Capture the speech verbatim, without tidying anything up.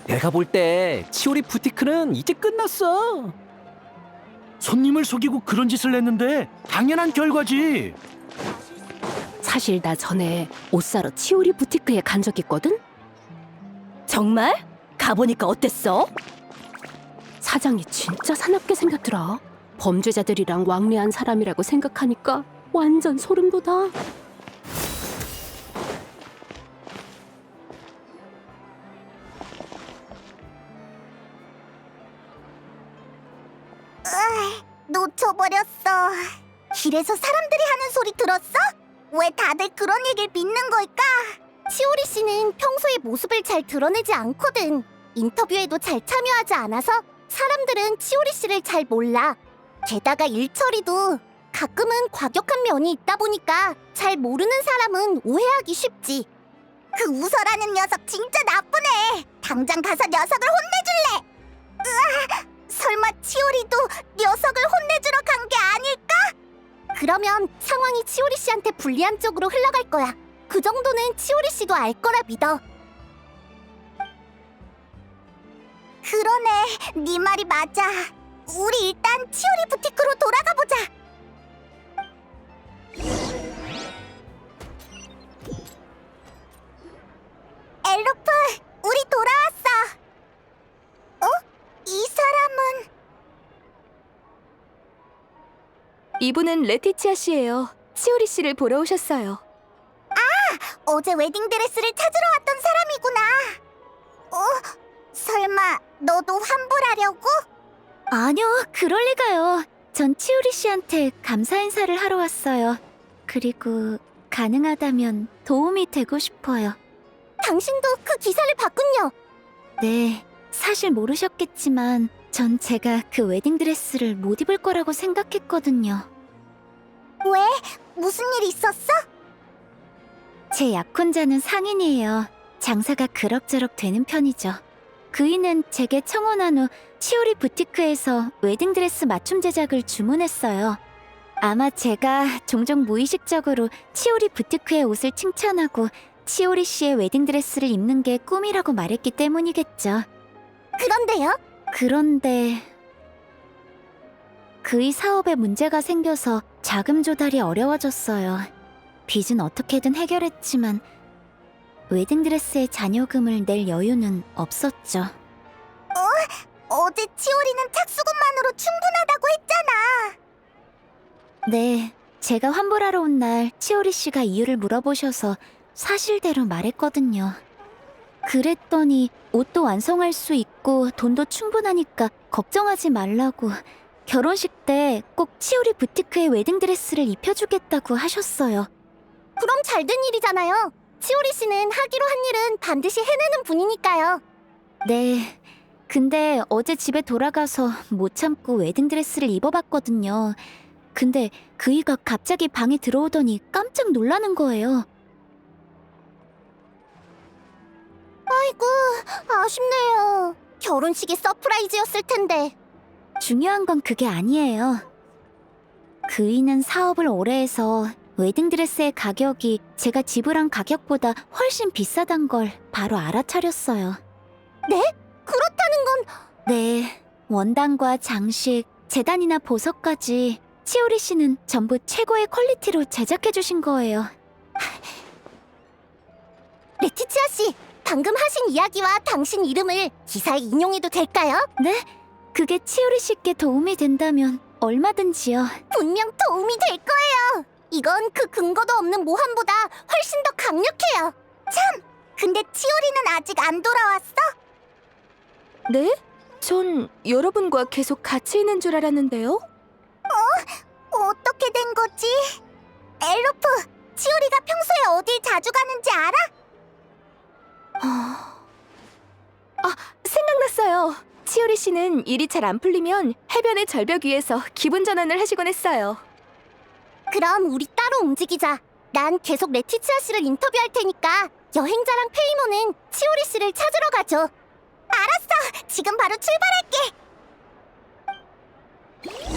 내가 볼 때 치오리 부티크는 이제 끝났어. 손님을 속이고 그런 짓을 했는데 당연한 결과지. 사실 나 전에 옷 사러 치오리 부티크에 간 적 있거든? 정말? 가보니까 어땠어? 사장이 진짜 사납게 생겼더라. 범죄자들이랑 왕래한 사람이라고 생각하니까 완전 소름 돋아. 놓쳐버렸어. 길에서 사람들이 하는 소리 들었어? 왜 다들 그런 얘기를 믿는 걸까? 치오리 씨는 평소에 모습을 잘 드러내지 않거든. 인터뷰에도 잘 참여하지 않아서 사람들은 치오리 씨를 잘 몰라. 게다가 일 처리도 가끔은 과격한 면이 있다 보니까 잘 모르는 사람은 오해하기 쉽지. 그 우설하는 녀석 진짜 나쁘네. 당장 가서 녀석을 혼내줄래. 으아, 설마 치오리도 녀석을 혼내주러 간 게 아닐까? 그러면 상황이 치오리 씨한테 불리한 쪽으로 흘러갈 거야. 그 정도는 치오리 씨도 알 거라 믿어. 그러네, 네 말이 맞아. 우리 일단 치오리 부티크로 돌아가 보자. 엘로프, 우리 돌아왔어. 어? 이 사람은... 이분은 레티치아 씨예요. 치오리 씨를 보러 오셨어요. 어제 웨딩드레스를 찾으러 왔던 사람이구나. 어? 설마 너도 환불하려고? 아니요, 그럴 리가요. 전 치오리 씨한테 감사 인사를 하러 왔어요. 그리고 가능하다면 도움이 되고 싶어요. 당신도 그 기사를 봤군요. 네, 사실 모르셨겠지만 전 제가 그 웨딩드레스를 못 입을 거라고 생각했거든요. 왜? 무슨 일 있었어? 제 약혼자는 상인이에요. 장사가 그럭저럭 되는 편이죠. 그이는 제게 청혼한 후 치오리 부티크에서 웨딩드레스 맞춤 제작을 주문했어요. 아마 제가 종종 무의식적으로 치오리 부티크의 옷을 칭찬하고 치오리 씨의 웨딩드레스를 입는 게 꿈이라고 말했기 때문이겠죠. 그런데요? 그런데 그의 사업에 문제가 생겨서 자금 조달이 어려워졌어요. 빚은 어떻게든 해결했지만 웨딩드레스의 잔여금을 낼 여유는 없었죠. 어제 치오리는 착수금만으로 충분하다고 했잖아. 네, 제가 환불하러 온 날 치오리 씨가 이유를 물어보셔서 사실대로 말했거든요. 그랬더니 옷도 완성할 수 있고 돈도 충분하니까 걱정하지 말라고 결혼식 때 꼭 치오리 부티크의 웨딩드레스를 입혀주겠다고 하셨어요. 그럼 잘 된 일이잖아요. 치오리 씨는 하기로 한 일은 반드시 해내는 분이니까요. 네, 근데 어제 집에 돌아가서 못 참고 웨딩드레스를 입어봤거든요. 근데 그이가 갑자기 방에 들어오더니 깜짝 놀라는 거예요. 아이고, 아쉽네요. 결혼식이 서프라이즈였을 텐데. 중요한 건 그게 아니에요. 그이는 사업을 오래 해서 웨딩드레스의 가격이 제가 지불한 가격보다 훨씬 비싸단 걸 바로 알아차렸어요. 네? 그렇다는 건... 네, 원단과 장식, 재단이나 보석까지 치오리 씨는 전부 최고의 퀄리티로 제작해주신 거예요. 레티치아 씨, 방금 하신 이야기와 당신 이름을 기사에 인용해도 될까요? 네? 그게 치오리 씨께 도움이 된다면 얼마든지요. 분명 도움이 될 거예요. 이건 그 근거도 없는 모함보다 훨씬 더 강력해요. 참! 근데 치오리는 아직 안 돌아왔어? 네? 전 여러분과 계속 같이 있는 줄 알았는데요. 어떻게 된 거지? 엘로프, 치오리가 평소에 어딜 자주 가는지 알아? 아, 생각났어요. 치오리 씨는 일이 잘 안 풀리면 해변의 절벽 위에서 기분 전환을 하시곤 했어요. 그럼 우리 따로 움직이자. 난 계속 레티치아 씨를 인터뷰할 테니까 여행자랑 페이모는 치오리 씨를 찾으러 가죠. 알았어! 지금 바로 출발할게!